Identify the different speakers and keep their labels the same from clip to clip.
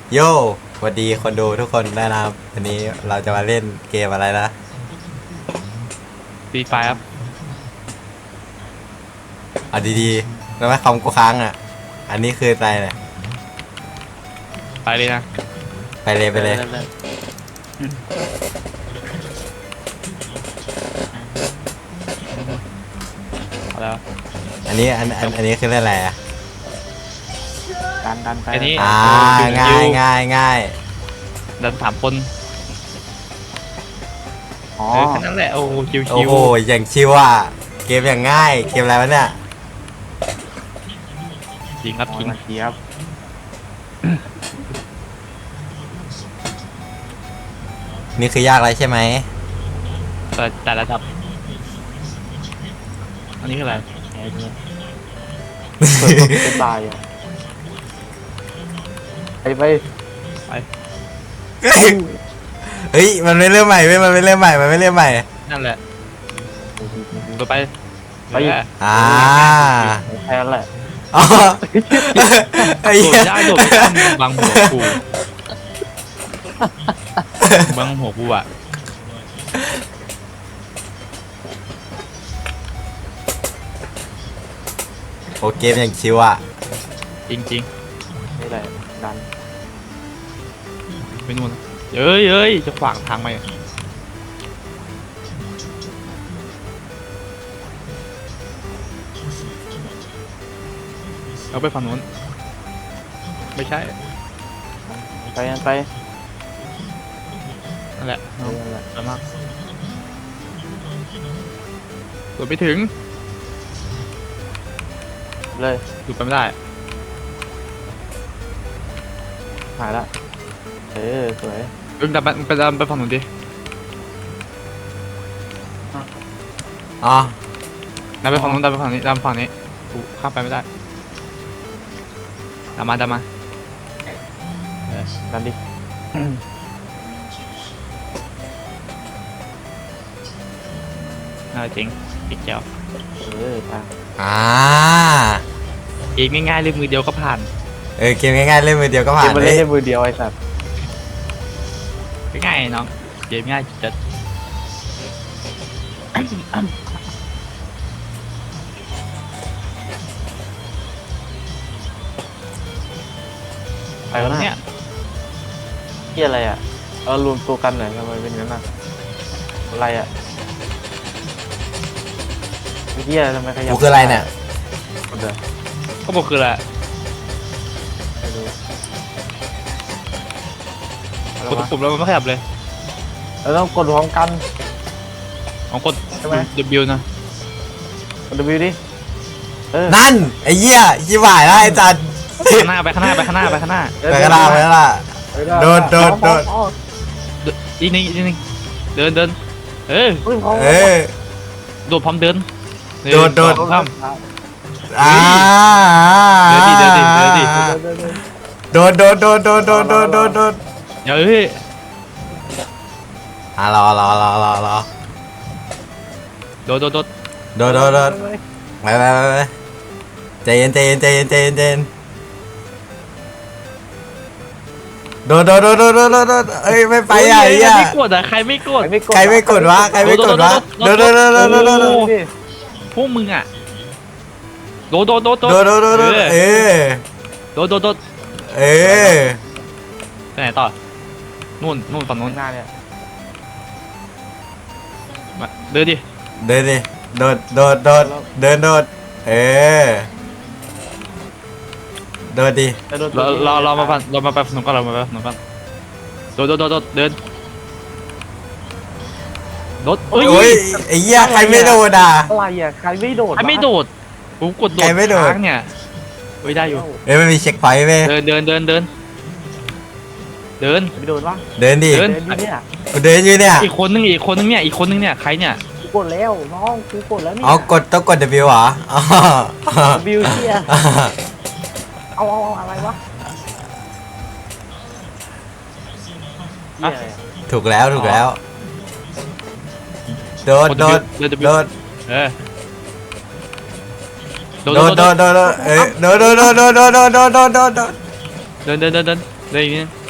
Speaker 1: โย่สวัสดีคนดูทุกคนได้นะครับวันนี้เราจะมาเล่นเกมอะไรนะ
Speaker 2: ฟรีไฟครับ
Speaker 1: เอาดีๆแล้วไม่คอมกูค้างอ่ะอันนี้คืออะไรเนี่ย
Speaker 2: ไปเลยนะ
Speaker 1: ไปเลย
Speaker 2: เอาแล้ว
Speaker 1: อันนี้คือเล่นอะไรอ่ะ
Speaker 3: ดันไป
Speaker 2: อันนี้
Speaker 1: ง่าย
Speaker 2: ดัน3 คน
Speaker 3: อ๋อ
Speaker 2: แค่นั้นแหละโอ้ชิว
Speaker 1: โอ้โหอย่างชิวอ่ะเกมอย่างง่ายเกมอะไรวะเนี่ย
Speaker 2: จริงครับจริง
Speaker 3: เทียบ
Speaker 1: นี่คือยากอะไรใช่ไหม
Speaker 2: แต่ระดับอันนี้คืออะไร
Speaker 3: ไอ้เนี่ยเปิดตัวตายอ่ะไป
Speaker 1: เฮ้ยมันไม่เริ่มใหม่เว้ยมันไม่เริ่มใหม่
Speaker 2: นั่นแหละไป
Speaker 3: แค่นั้นแหละ
Speaker 1: อ๋อไอ้
Speaker 2: โด
Speaker 1: เหี้
Speaker 2: ด
Speaker 1: ย
Speaker 2: ได้โดดไม่ได้บังหัวกูบังหัวกูอ่ะ
Speaker 1: โอเกมอย่างชิวอ่ะ
Speaker 2: จริง
Speaker 3: นี่แหละดัน
Speaker 2: ไปนู่นเอ้ยจะขวางทางไหมเอาไปฝั่งนู้นไม่ใช่
Speaker 3: ไป
Speaker 2: นั่นแหละสวยมากโดดไปถึง
Speaker 3: เลย
Speaker 2: ดูไปไม่ได้
Speaker 3: หายละสวย
Speaker 2: ดันไปฝั่งนู้นดิ
Speaker 1: อ๋อ
Speaker 2: ดันไปฝั่งนู้นดันไปฝั่งนี้ดันฝั่งนี้กูข้ามไปไม่ได้ดันมา
Speaker 3: ดันดิ
Speaker 2: จริงอีกแก้ว
Speaker 3: ไป
Speaker 2: เกมง่ายๆเลยมือเดียวก็ผ่าน
Speaker 1: เกมง่ายๆเล่นมือเดียวก็ผ่าน
Speaker 3: เกมเล่นมือเดียวไอ้สัตว์
Speaker 2: ง่ายน้องเกมง่ายจัด
Speaker 3: ไปแล้วเนี่ยที่อะไรอ่ะรวมตัวกันหน่อยทำไมเป็นงั้นอ่ะอะไรอ่ะเฮียทำไมขยับ
Speaker 1: กูคืออะไรเนี่ย
Speaker 2: ก็บอกคืออะไรกดปุ่มแล้วมันไม่ขยับเลย
Speaker 3: เราต้องกดพร้อมกัน
Speaker 2: กด W นะ
Speaker 3: กด W ดิ
Speaker 1: นั่นไอ้เหี้ยชิบหายแล้วไอ้จัน
Speaker 2: ข้างหน้าไปข้างหน้า
Speaker 1: โดด
Speaker 2: อีกนิดเดินโดดพร้อมเดินข้ามเดินดิโดดเฮ้ย
Speaker 1: รอ
Speaker 2: โดด
Speaker 1: ไปใจเย็นโดดเอ้ยไม่ไปอ่ะไอ้เหี้ย
Speaker 2: ใครไม่กด
Speaker 1: วะโดด
Speaker 2: พวกมึงอ่ะโดดไปไหนต่อนู่นฝั่งนู้น
Speaker 3: หน้าเนี่ย
Speaker 2: มาเดินดิ
Speaker 1: โดดโดดดิ
Speaker 2: เรามาไปฝั่งนู้นก่อนโดดเดิน
Speaker 1: โอ้ยไอ้เหี้ยใครไม่โดดอ่ะ
Speaker 3: อะไรอ่ะใครไม่โดด
Speaker 2: กูกดโดดค้างเนี่ยได้อยู่
Speaker 1: มันมีเช็คพอยต์เว้ย
Speaker 2: เดิน
Speaker 3: ไม่โดดวะ
Speaker 1: เดินดิกูเดินอยู่เนี่ย
Speaker 2: อีกคนนึงเนี่ยใครเนี่ย
Speaker 3: กูกดแล้วน้องกูกดแล้วเนี่ย
Speaker 1: ต้องกด W เหรอ
Speaker 3: วิวเชียเอาอะไรวะ
Speaker 1: ถูกแล้วโดด
Speaker 2: โดดเดินอีกนิด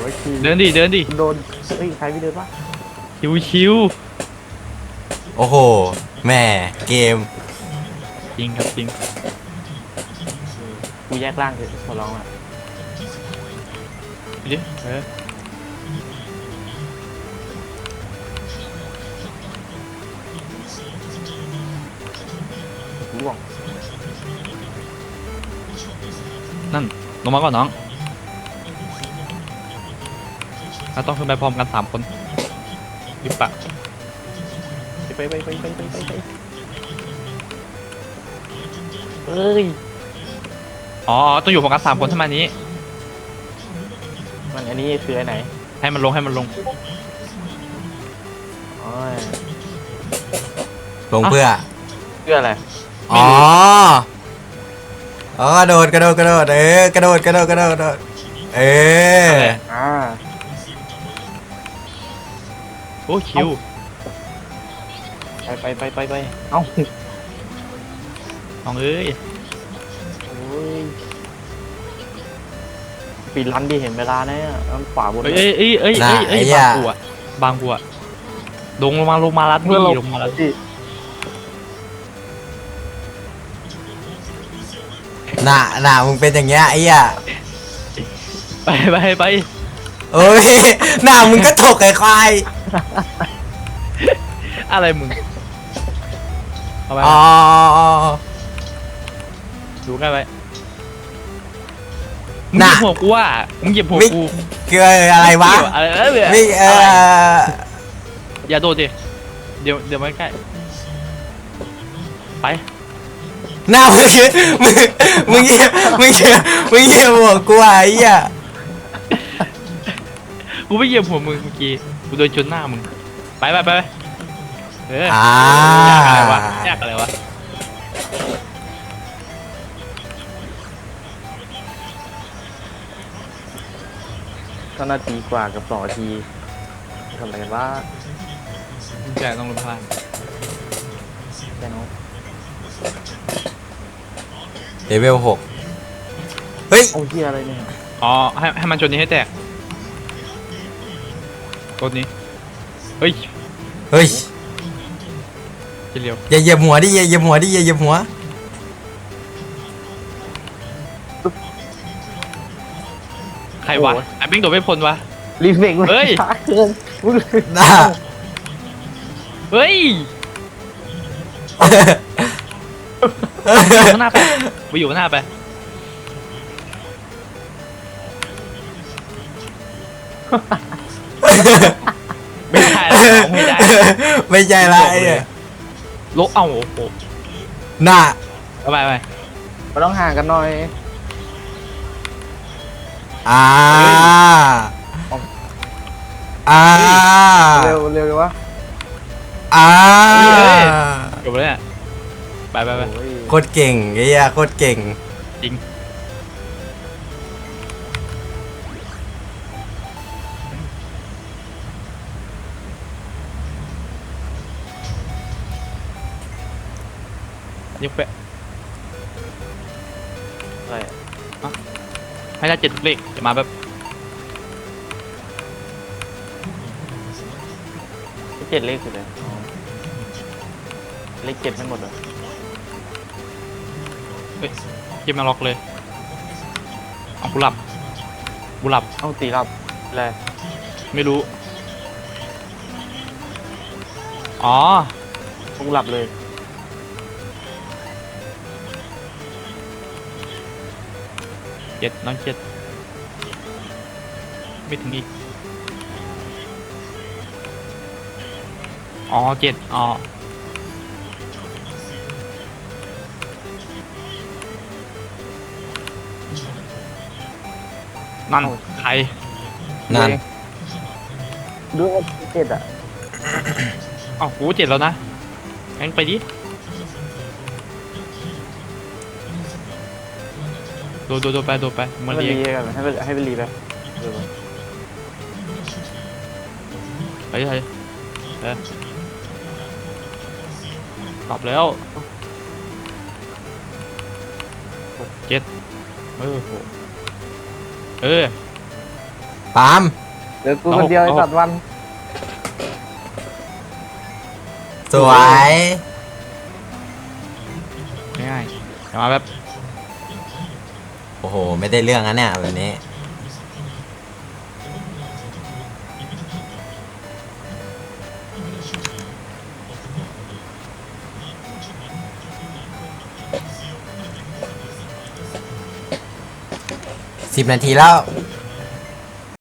Speaker 3: ไว้คี
Speaker 2: เดินดิเดินดิ
Speaker 3: โดนเฮ้ยใครไม่เดินวะ
Speaker 2: ชิวชิว
Speaker 1: โอ้โห แม่เกม
Speaker 2: จริงครับจริง
Speaker 3: กูแยกร่างเถอะขอร้องอ่ะ
Speaker 2: ดิเออ
Speaker 3: ร่วง
Speaker 2: นั่นลงมาก่อนน้องเราต้องขึ้นไปพร้อมกัน3 คนหรือเปล่า
Speaker 3: ไปเอ้ย
Speaker 2: อ๋อต้องอยู่พร้อมกัน3 คนเท่านี้
Speaker 3: มันอันนี้คืออันไหน
Speaker 2: ให้มันลงให้มันลง
Speaker 3: อ๋อ
Speaker 1: ลงเพื่อ
Speaker 3: เพื่ออะไร
Speaker 1: อ๋อ อ๋อกระโดดกระโดดกระโดดกระโดดกระโดดกระโดดกระโดดเออ
Speaker 3: อ่า
Speaker 2: โอ้คิว
Speaker 3: ไปเอ้า
Speaker 2: น้องเอ้ย
Speaker 3: โอ้ยปีรันดิเห็นเวลาเนี่ยขวาบน
Speaker 2: เอ้ยเอ้ยเอ้ยเอ้ยเอ้ยบางบัวบางบัวลงมาลัดนี่ลงมาลัด
Speaker 3: ที่
Speaker 1: หน้ามึงเป็นอย่างเงี้ยไอ้เหี้ย
Speaker 2: ไป
Speaker 1: เอ้ยหน้ามึงก็ถกไอ้ควาย
Speaker 2: อะไรมึงเอาไป
Speaker 1: อ๋อ
Speaker 2: ดูใกล้ไปมึงเหยียบหัวกูอ่ะมึงเหยียบหัวกู
Speaker 1: คืออะไรวะ
Speaker 2: อะไร
Speaker 1: ไม่
Speaker 2: อย่าโดดดิเดี๋ยวไม่ใกล้ไป
Speaker 1: หน้ามึงคือมึงเยี่ยหัวกูไอ้เหี้ย
Speaker 2: กูไม่เหยียบหัวมึงเมื่อกี้กูโดนชนหน้ามึงไปเออ
Speaker 1: อ่า
Speaker 2: ยากอะไรวะ
Speaker 3: ก็นาทีกว่ากับ2 นาทีทำอะไรกันวะ
Speaker 2: แกต้องลงพลาด
Speaker 3: แค่น้อง
Speaker 1: เลเวล6เฮ้ย
Speaker 3: โอ้เฮียอะไรเนี่ย
Speaker 2: อ๋อให้มันชนนี้ให้แตกต้นนี้เฮ้ย
Speaker 1: เฮ้ย
Speaker 2: จะเร็ว
Speaker 1: อย่าเหยียบหัวดิอย่าเหยียบหัวดิอย่าเหยียบหัว
Speaker 2: ใครวะไอ้บิ้งโดดไม่พ้นวะ
Speaker 3: รีเฟก
Speaker 2: เฮ้ย
Speaker 3: ช้าเกินมึง
Speaker 1: หน้า
Speaker 2: เฮ้ยอยู่ข้างหน้าไปอยู่ข้างหน้าไปไม่ได้แล้วไม่ได้
Speaker 1: ไม่ใช่ละไอ้เนี่ย
Speaker 2: ลกเอาโอ้โห
Speaker 1: หน้า
Speaker 2: ไป
Speaker 3: เราต้องห่างกันหน่อย
Speaker 1: อ่าอ่า
Speaker 3: เร็วเลยวะ
Speaker 1: อ่า
Speaker 2: จบแล้วเนี่ยไป
Speaker 3: โอ้ย
Speaker 1: โคตรเก่งไอ้เหี้ยโคตรเก่ง
Speaker 2: จริงยกไป
Speaker 3: อะไรอะ
Speaker 2: ให้ได้7 ทุกเลขจะมาแบบ
Speaker 3: 7 เลขคืออะไรอ๋อเลข 7ไม่หมดเหรอ
Speaker 2: เฮ้ยเกมมาล็อกเลยเอากูหลับ
Speaker 3: เอ้าตีรับอะไร
Speaker 2: ไม่รู้อ๋อ
Speaker 3: กูหลับเลย
Speaker 2: 7 น้อง 7ไม่ถึงอีกอ๋อ7อ๋อนั่นใคร
Speaker 1: นั่น
Speaker 3: ดูว่า7อ่ะ
Speaker 2: อ้าวกู7แล้วนะงั้นไปดิโดไปมา
Speaker 3: ให้
Speaker 2: เรีย
Speaker 3: รี
Speaker 2: ก
Speaker 3: กันให้ไปรีไปเออ
Speaker 2: เฮ้ยกลับแล้ว6 7โห
Speaker 1: ปาล์ม
Speaker 3: เดี๋ยวกูคนเดียวไอ้สัตว์วัน
Speaker 1: สวย
Speaker 2: ง่ายๆเดี๋ยวมาแบบ
Speaker 1: โอ้โหไม่ได้เรื่องนะเนี่ยแบบนี้10 นาทีแล้ว